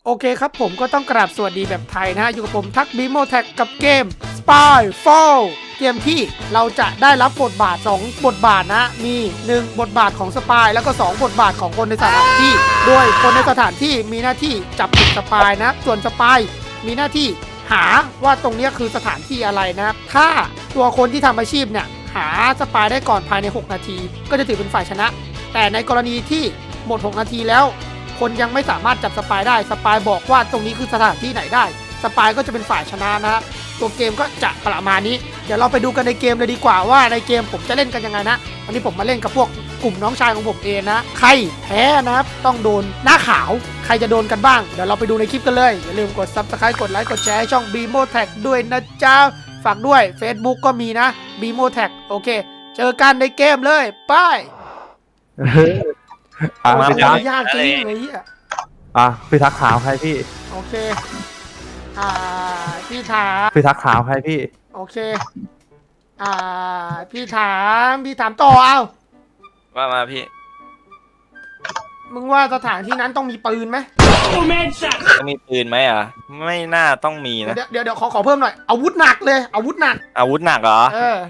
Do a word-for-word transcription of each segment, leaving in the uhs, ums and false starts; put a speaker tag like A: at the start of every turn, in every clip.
A: โอเคครับผมก็ต้องกราบสวัสดีแบบไทยนะฮะอยู่กับผมทักบีโมแท็กกับเกม Spyfall เกมที่เราจะได้รับบทบาทสองบทบาทนะมีหนึ่งบทบาทของสปายแล้วก็สองบทบาทของคนในสถานที่โดยคนในสถานที่มีหน้าที่จับผิดสปายนะส่วนสปายมีหน้าที่หาว่าตรงนี้คือสถานที่อะไรนะถ้าตัวคนที่ทำอาชีพเนี่ยหาสปายได้ก่อนภายในหกนาทีก็จะถือเป็นฝ่ายชนะแต่ในกรณีที่หมดหกนาทีแล้วคนยังไม่สามารถจับสปายได้สปายบอกว่าตรงนี้คือสถานที่ไหนได้สปายก็จะเป็นฝ่ายชนะนะตัวเกมก็จะประมาณนี้เดี๋ยวเราไปดูกันในเกมเลยดีกว่าว่าในเกมผมจะเล่นกันยังไงนะวันนี้ผมมาเล่นกับพวกกลุ่มน้องชายของผมเองนะใครแพ้นะครับต้องโดนหน้าขาวใครจะโดนกันบ้างเดี๋ยวเราไปดูในคลิปกันเลยอย่าลืมกด ซับสไครบ์ กดไลค์กดแชร์ให้ช่อง บี โม แท็ก ด้วยนะจ๊ะฝากด้วย Facebook ก็มีนะ บี โม แท็ก โอเคเจอกันในเกมเลยไป
B: อ่ะ
A: โอ้
B: พี่
A: โห
B: ทัก
A: ยากจริงเลยเฮีย
B: อ่ะพี่ทักขาวใครพี่
A: โอเค อ่า พี่ถาม
B: พี่ทักขาวใครพี่
A: โอเค อ่า พี่ถาม พี่ถามต่อเอา
C: ว่ามาพี่
A: มึงว่าสถานที่นั้นต้องมีปืนไหม
C: ต้องมีปืนไหมอ่ะ ไม่น่าต้องมีนะ
A: เดี๋ยวเดี๋ยวเดี๋ยวขอขอเพิ่มหน่อย อาวุธหนักเลย อาวุธหนัก
C: อาวุธหนักเหรอ
A: เออ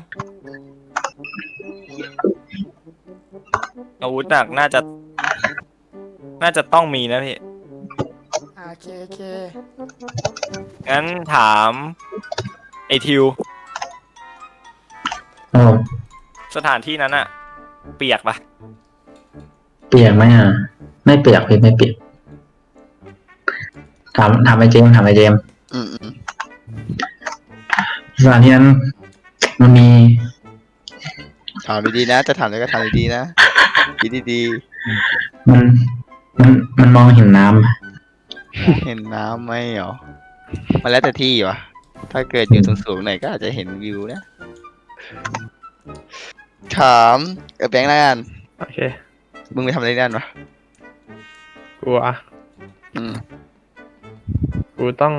C: อาวุธหนักน่าจะ น่าจะต้องมีนะพี่
A: โอเคโอเค
C: งั้นถามไอทิว
D: โอ้
C: สถานที่นั้นอะเปียกปะ
D: เปียกไหมอ่ะ ไม่เปียกพี่ไม่เปียกถามถามไอ้เจมส์ถามไอ้เจมส์
E: อืมอืม
D: สถานที่นั้น มันมี
E: ถามดีๆนะ จะถามอะไรก็ถามดีๆนะคิดดี
D: มันมันมันมองเห็นน้ำปะ
E: ๆเห็นน้ำไหมเหรอมันแล้วแต่ที่วะถ้าเกิดอยู่สูงๆหน่อยก็อาจจะเห็นวิวนะ ถามเออแบงค์แล้วกัน
B: โอเค
E: มึงไปทำอะไรนั่นวะ
B: กูอ่ะ
E: อืม
B: กูต้อง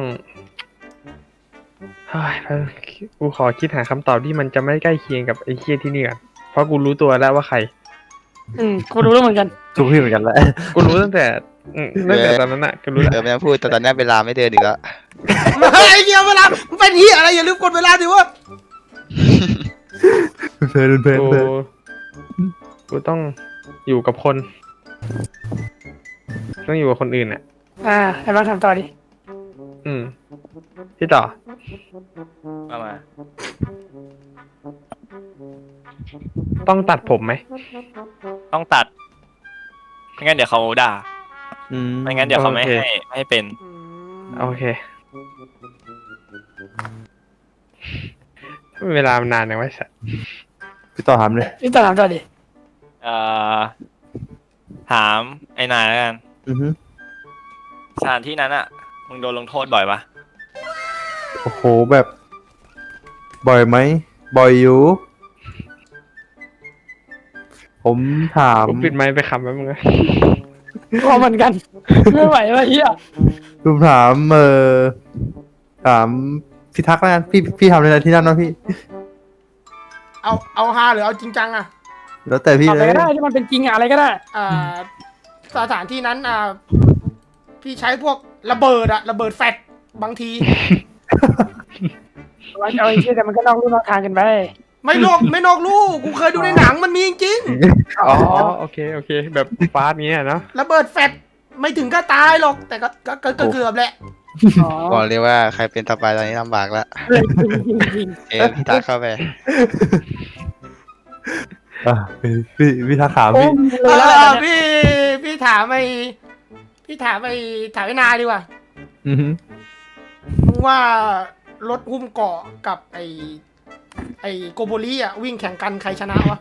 B: เฮ้ยกูขอคิดหาคำตอบที่มันจะไม่ใกล้เคียงกับไอ้เคียที่นี่ก่อนเพราะกูรู้ตัวแล้วว่าใคร
A: อืมกูรู้แล้วเหมือนกัน
B: กูพี่เหมือนกันแหละกูรู้ตั้งแต่อืมตั้งแต่ตอนนั้นอ่ะกูรู้
E: เอ
B: แล้ว
E: อไม่ต้องพูดแต่ตอนนี้เวลาไม่เดินอีกแล้ว
A: ไอ้เหี้ยเวลามันเป็นเหี้ยอะไรอย่าลืมกดเวลาดิวะ
B: เพลินเพลิน
F: กู
B: เพลิน
F: กูต้องอยู่กับคน ต้องอยู่กับคนอื่นอ่ะ
A: อ่าให้บ้างทำต่อดิ
F: อืมพี่ต่อ
C: ว่ามา
F: ต้องตัดผมไหม
C: ต้องตัด ไม่งั้นเดี๋ยวเขาด่า
B: อืม
C: ไม่งั้นเดี๋ยวเขาไม่
F: โอเค
C: ให้ไม่ให้เป็น
A: อืม
F: โอเคเวลามันนานยังไงสัส
B: พี่ต่อถามเลย
A: พี่ต่อถามต่อดิ
C: เอ่อ ถามไอ้นายแล้วกัน
B: อือฮึ
C: สถานที่นั้นอะมึงโดนลงโทษบ่อยปะ
B: โอ้โหแบบ บ่อยไหมบ่อยอยู่ ผมถาม
F: กูปิดไมค์ไปคำแป๊บนึงนะ
A: พอเหมือนกัน ไม่ไหววะเหี้ย
B: ผมถามเออถามพี่ทักแล้วกันพี่พี่ทำอะไรที่นั่นวะพี่
A: เอาเอาฮาหรือเอาจริงจังอะ
B: แล้วแต่พี่
A: อะ
B: เล
A: ไร
B: ย
A: ก็ได้ที่มันเป็นจริงอะอะไรก็ได้ อ่า สถานที่นั้นอ่า พี่ใช้พวกระเบิดอะระเบิดแฟลชบางที
G: ว่าจะเอาไอ้เชี่ยแต่มันก็นอกลู่นอกทางกันไป
A: ไม่นอกไม่นอกลูกกูเคยดูในหนังมันมีจริง
F: อ๋อโอเคโอเค แบบฟาสเงี้ยเนาะ
A: ระเบิดแฟลชไม่ถึงก็ตายหรอก แต่ก็ก็ก็ก็เกือบแหละ
G: อ๋อ
E: บอกเลยว่าใครเป็นต่อไปตอนนี้ลำบากแล้ว
G: เลยจริงจริงจริง
E: เออพี่ตาเข้าไป
B: อ่ะพี่พี่พี่ทักขาว
G: โอ้
B: พี่
G: มเล
A: เอย
G: แล้ว
A: อ
G: ตอนเนี้ย
A: พี่พี่ถามไอ้พี่ถามไอ้ถามไอ้นายดีกว่า
B: อือฮึ
A: มึงว่ารถหุ้มเกาะกับไอ้ไอ้โกโบลีอ่ะวิ่งแข่งกันใครชนะวะ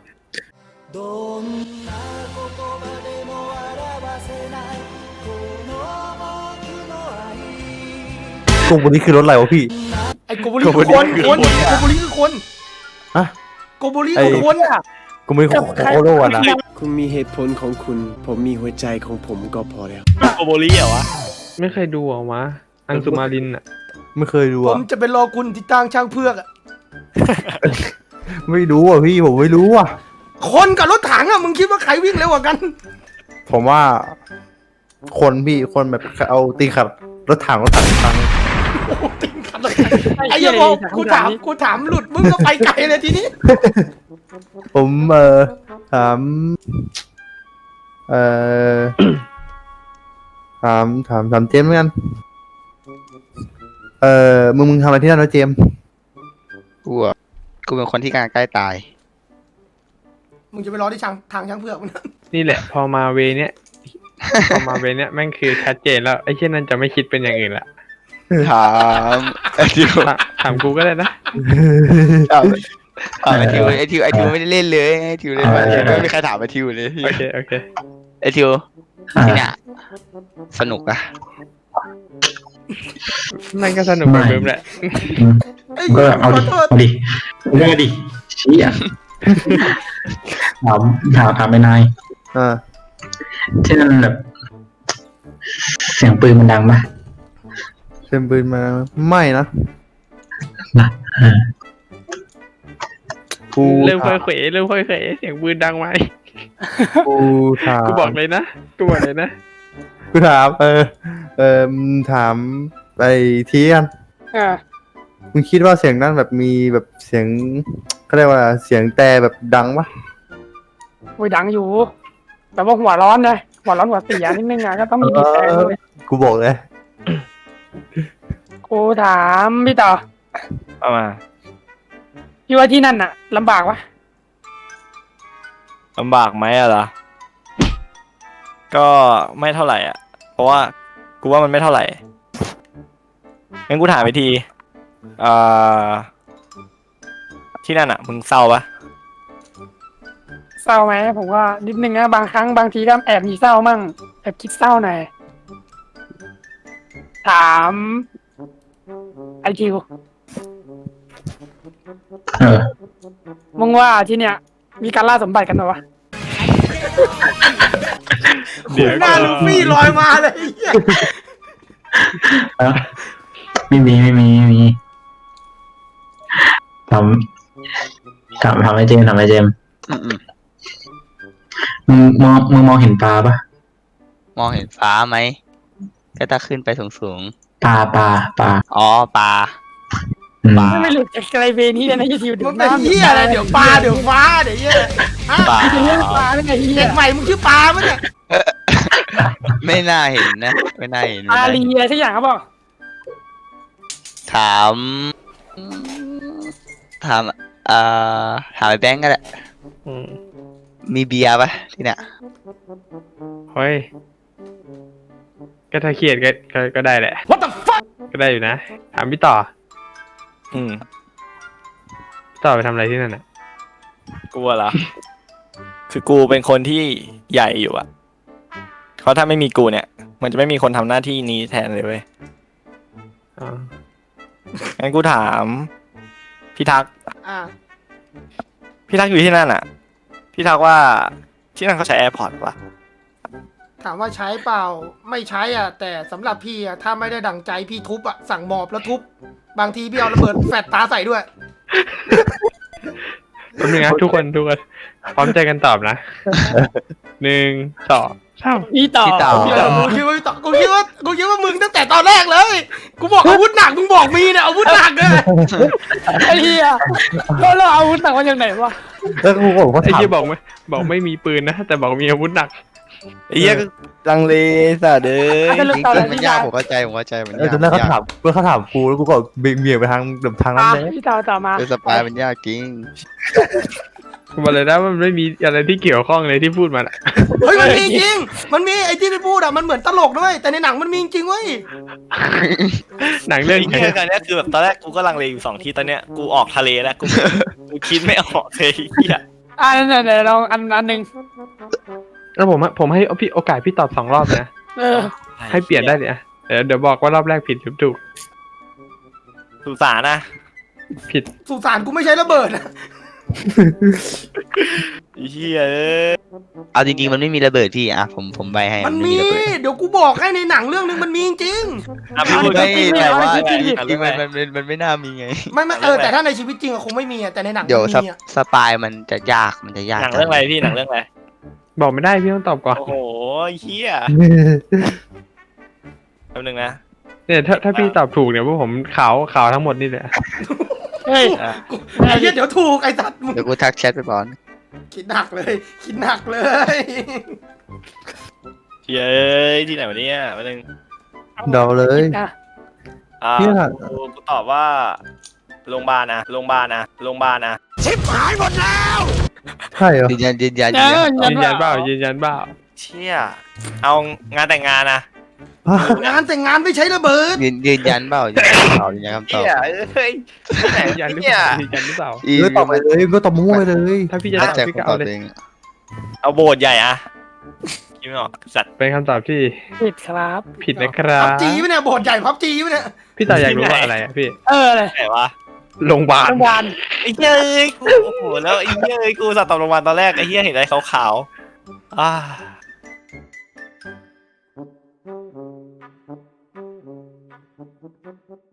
B: กลุ่มวันนี้คือรถอะไรวะพี่
A: ไอ้โกโบลีคือคนคนโกโบลีคือคน
B: ฮะ
A: โกโบลีคือคน
B: กูไม่โคโคโร่อะนะ
H: คุณมีเหตุผลของคุณ ผมมีหัวใจของผมก็พอแล้ว
C: โกโบลี่เหรอวะ
F: ไม่เคยดูเหรอวะอังสุมารินอ่ะ
B: ไม่เคยดู
A: ผ
B: อะ
A: มจะไปรอคุณที่ตั้งช่างเพือกอะ
B: ไม่รู้อ่ะพี่ผมไม่รู้อ่ะ
A: คนกับรถถังอ่ะมึงคิดว่าใครวิ่งเร็วกว่ากัน
B: ผมว่าคนพี่คนแบบเอาตีขับรถถังรถถังพัง
A: ไอ้เหี้ยบอกกูถามกูถามหลุดมึงก็ไปไกลเลยทีนี้
B: ผมเออถามเออถามถามถามเจมส์เหมือนกันเออมึงมึงทำอะไรที่นั่นวะเจมส์
E: กูอะกูเป็นคนที่กำลังใกล้ตาย
A: มึงจะไปรอที่ทางทางช้างเผือกมึงนะ
F: นี่แหละ พอมาเวเนี้ยพอมาเวเนี้ยแม่งคือชัดเจนแล้วไอ้เช่นนั้นจะไม่คิดเป็นอย่างอื่นละ
E: ถามไอทิว
F: ถามถามกูก็ได้นะ
E: ถามถามไอทิวไอทิวไอทิวไม่ได้เล่นเลยไอทิวเล่นมาไม่มีใครถามไอทิวเลย
F: โอเคโอเค
E: ไอทิว
D: อ่า
E: ที่เนี่ยสนุกอะ
F: นั่นก็สนุกเหมือนเดิมแหละ
D: อืม
A: เอ้ย
D: ก็เอา
A: ข
D: ดิ
A: อโทษ
D: เอาดิเรื่องดิชี้อ่ะถามถามถามไปนาย
B: อ่า
D: ที่นั่นแบบ เสียงปืนมันดังปะ
B: เต็มปืนมาไม่นะ
D: นะเออ
B: กู
F: เริ่มค่
B: ถา
F: อย
B: ม
F: เขวเริ่มค่อยเขวเสียงปืนดังไหม
B: กูถาม
F: กูบอกเลยนะกูบอกเลยนะ
B: กูถามเออเออมึงถามไอ้ทีกัน
G: เออ
B: มึงคิดว่าเสียงนั้นแบบมีแบบเสียงเขาเรียกว่าเสียงแต่แบบดังปะ
G: โอ้ยดังอยู่ แต่ว่าหัวร้อนนะหัวร้อนหัวเสียนิดนึงอ่ะก็ต้องมีบีบแต่ด้วย
B: กูบอกเลย
G: กูถามพี่ต่อ
C: เอามา
G: พี่ว่าที่นั่นน่ะลำบากปะ
C: ลำบากไหมอะล่ะก็ไม่เท่าไหร่อ่ะ เพราะว่ากูว่ามันไม่เท่าไหร่งั้นกูถามไปทีเอ่อที่นั่นอ่ะมึงเศร้าปะ
G: เศร้าไหมผมว่านิดนึงนะบางครั้งบางทีก็แอบมีเศร้ามั่งแอบคิดเศร้าหน่อยถามไอคิว
D: เออ
G: มึงว่าที่เนี่ย มีการล่าสมบัติกันเหรอวะ
F: เดี๋ยว
A: หน้าลูฟี่ลอยมาเลยไอ้เหี้ย
D: เออไม่มีไม่มีไม่มีถามถามถามไอ้เจมส์ถามไอ้เจมส์
E: อืม
D: มึงมองมึงมองเห็นปลาปะ
E: ๆมองเห็นฟ้าไหมก็ถ้าขึ้นไปสูง
D: ปลาปลาปลา
E: ๆอ๋อปลา
D: อืม
G: ไม่หลุดจากไกลเวนี้เลยนะไอคิวเดี๋ย
A: มึ
G: ว
A: งเป็น
G: น้ำ
A: เหี้ยอะไรเดี๋ยวปลาเดี๋ยวฟ้าเดี๋ยวเหี้ยฮะ
E: ปลา
G: เป็นเรื่องปลาได้ไงเฮี
A: เด็
G: ย
A: กใหม่มึงชื่อปลาปะเนี่ย
E: ไม่น่าเห็นนะ ไม่น่าเห็น
G: ป
E: ไม่
G: ลา
E: น่า
G: ลี
E: เห็น
G: อะไรสักอย่างครับบอก
E: ถามถามเอ่อถามไอ้แบงก์ก็ได้
F: อืม
E: มีเบียร์ปะที่เนี่ย
F: เฮ้ยก็ถ้าเครียดก็ก็ก็ได้แหละ
A: What the fuck
F: ก็ได้อยู่นะถามพี่ต่อ
C: อืม
F: พี่ต่อไปทำอะไรที่นั่นอ่ะ
C: กูอะเหรอคือกูเป็นคนที่ใหญ่อยู่อะเพราะถ้าไม่มีกูเนี่ย มันจะไม่มีคนทำหน้าที่นี้แทนเลยเว้ย
F: อ๋อ
C: งั้นกูถามพี่ทัก
A: อ่า
C: พี่ทักอยู่ที่นั่นอะพี่ทักว่าที่นั่นเขาใช้แอร์พอร์ตปะ
A: ถามว่าใช้เปล่าไม่ใช้อ่ะ แต่สำหรับพี่อ่ะถ้าไม่ได้ดั่งใจพี่ทุบอ่ะสั่งหมอบแล้วทุบบางทีพี่เอาระเบิดแฟดตาใส่ด้วย
F: แป๊บนึงนะทุกคนทุกคนพร้อมใจกันตอบนะหนึ่งสองสาม
G: พี่ต่อ
E: พี่ต่อ
G: พี่ต่อ
A: กูคิดว่ากูคิดว่ากูคิดว่ามึงตั้งแต่ตอนแรกเลย กูบอกอาวุธหนักมึงบอกมีเนี่ยอาวุธหนักเลย
G: ไอ้เฮียแล้วเราเอาอาวุธหนักมาจากไหนวะ
B: แล้วกูบอกว่า
F: ไอ้
B: ถาม
F: ที่บอกไม่บอกไม่มีปืนนะแต่บอกมีอาวุธหนัก
C: ไอ้เหี้ยก็ลังเลสัตว์เอ้ย
G: สรุป
E: จริง
G: ต่อเลย
E: ๆมัน
G: พี่
E: ยาก
G: ยา
E: ผมเข้าใจผมเข้าใจมันาก
B: เออยตอนแรกเขา
E: ยาก
B: ถามเมื่อเขาถามกูแล้วกูก็เบี่ยงไปทางแบบทางนั้น
G: อ่ะ
B: เลย
G: พี่ต่อต่อมา
E: เป็นสปายมันยากจริง
F: ผมบอกเลยนะว่ามันไม่มีอะไรที่เกี่ยวข้องเลยที่พูดมาน่ะ
A: เฮ้ยมันมีจริง มันมีไอ้ที่ไปพูดอ่ะมันเหมือนตลกด้วยแต่ในหนังมันมีจริงเว้ย
F: หนังเรื่อง
C: ไอ้
F: ไหน
C: เหี้ยตอนเนี้ยคือแบบตอนแรกกูก็ลังเลอยู่สองที่ตอนเนี้ยกูออกทะเลแล้วกูกูคิดไม่ออกเลยไอ้เหี้ย
G: อ่าไหนไหนลองอันอันหนึ่ง
F: แล้วผมอะผมให้พี่โอกาสพี่ตอบสองรอบนะ
G: เออ
F: ให้เปลี่ยนได้เลยอะเดี๋ยวเดี๋ยวบอกว่ารอบแรกผิดหรือถูก
C: สุสานนะ
F: ผิด
A: สุสานกูไม่ใช้ระเบิดนะ
C: ไอ้เหี้ยเอ้ย
E: เอาจริงๆมันไม่มีระเบิดพี่อ่ะผมผมใบให้
A: มัน
E: ไ
A: มี
E: ระเบิด
A: เดี๋ยวกูบอกให้ในหนังเรื่องนึงมันมีจริง
C: อ่ะพี่พูด
E: ไม่
C: พี่
E: แต่ว่า
G: จริงๆ
E: จริง
C: จริง
E: ๆมันมันมันมันไม่น่ามีไง
A: ไม่ไม่เออแต่ถ้าในชีวิตจริงอะคงไม่มีอะแต่ในหนัง
E: เดี๋ยว
A: มัน
E: สป
A: มีอะ
E: สปายมันจะยากมันจะยาก
C: หนังเรื่องอะไรพี่หนังเรื่องอะไร
F: บอกไม่ได้พี่ต้องตอบก่อน
C: โอ้โหเฮียแป๊บนึงนะ
F: เนี่ยถ้าถ้าพี่ตอบถูกเนี่ยพวกผมขาวขาวทั้งหมดนี่แหละ
A: เฮ้ยไอ้เหี้ยเดี๋ยวถูกไอ้สัตว์
E: เดี๋ยวกูทักแชทไปก่อน
A: คิดหนักเลย คิดหนักเลย
C: เฮ้ยที่ไหนวะเนี่ยแป๊บนึง
B: เดาเลย
G: อ่ะ
C: อ่า
B: เนี่ย
C: กูกูตอบว่าโรงพยาบาลนะโรงพยาบาลนะโรงพยาบาลนะ
B: ใช่เหรอ
E: ยืนยันยืนยัน
G: เอ
E: ยืนยัน
G: อ
F: ยืนยันเปล่ายืนยันเปล่า
C: เชี่ยเอางานแต่งงานนะ
A: งานแต่งงานไม่ใช้ระเบิด
E: ยืนยืนยันเปล่ายืนยันเปล่ายืนยันคำตอบ
C: เชี่ยเอ้ยที่ไหน
F: ยืนยันหรือเป
C: เนี่ย
F: ล่ายืนยันหรือเปล่า
E: อี
B: เออตอบไปเลยก็ตอบมั่วไปเลย
F: ถ้าพี่จะตอบ
E: แจ็ค
F: พี่
E: ค
F: ก็
E: นต
F: เอา
E: อบ
F: เลย
E: เอง
C: เอาโบสถ์ใหญ่อะคิดไม่ออกสัตว์
F: เป็นคำตอบที่
G: ผิดครับ
F: ผิดนะครั
A: พั
F: บบ
A: จีไหมเนี่ยโบสถ์ใหญ่พับจีไหมเนี่ย
F: พี่ต่ออยากรู้ว่าอะไรอ่ะพี่
G: เออเลย
C: ไหนวะ
F: โรงพยาบาล
G: โรงพยาบาล
C: ไอ้เหี้ยเอ้ยกูโอ้โหแล้วไอ้เหี้ยเอ้ยกูสัตว์ตอบโรงพยาบาลตอนแรกไอ้เหี้ยเห็นอะไรขาวๆอ่า
A: Thank you.